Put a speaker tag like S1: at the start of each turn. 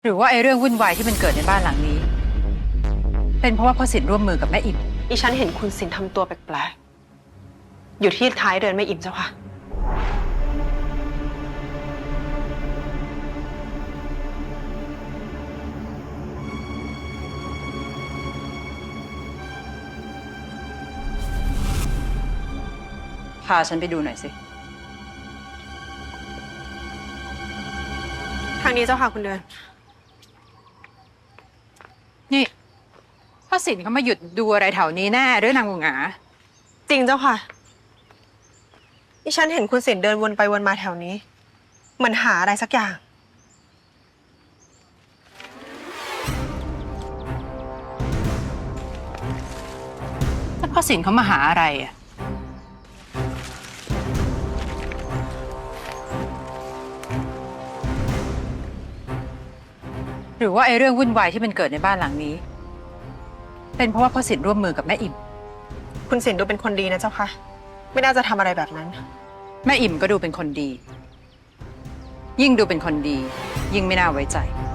S1: หรือว่าไอ้เรื่องวุ่นวายที่มันเกิดในบ้านหลังนี้ เป็นเพราะว่าพ่อสินร่วมมือกับแม่อิ่ม
S2: ดิฉันเห็นคุณสินทำตัวแปลกๆอยู่ที่ท้ายเรือนแม่อิ่มเจ้าค่ะ
S1: พาฉันไปดูหน่อยสิ
S2: ทางนี้เจ้าค่ะคุณเดิน
S1: นี่พ่อสินเขามาหยุดดูอะไรแถวนี้แน่หรือนางหงา
S2: จริงเจ้าค่ะดิฉันเห็นคุณสินเดินวนไปวนมาแถวนี้เหมือนหาอะไรสักอย่าง
S1: ถ้าพ่อสินเขามาหาอะไรอะหรือว่าไอ้เรื่องวุ่นวายที่มันเกิดในบ้านหลังนี้ เป็นเพราะว่าพ่อสินร่วมมือกับแม่อิ่ม
S2: คุณสินดูเป็นคนดีนะเจ้าค่ะไม่น่าจะทำอะไรแบบนั้น
S1: แม่อิ่มก็ดูเป็นคนดี ยิ่งดูเป็นคนดี ยิ่งไม่น่าไว้ใจ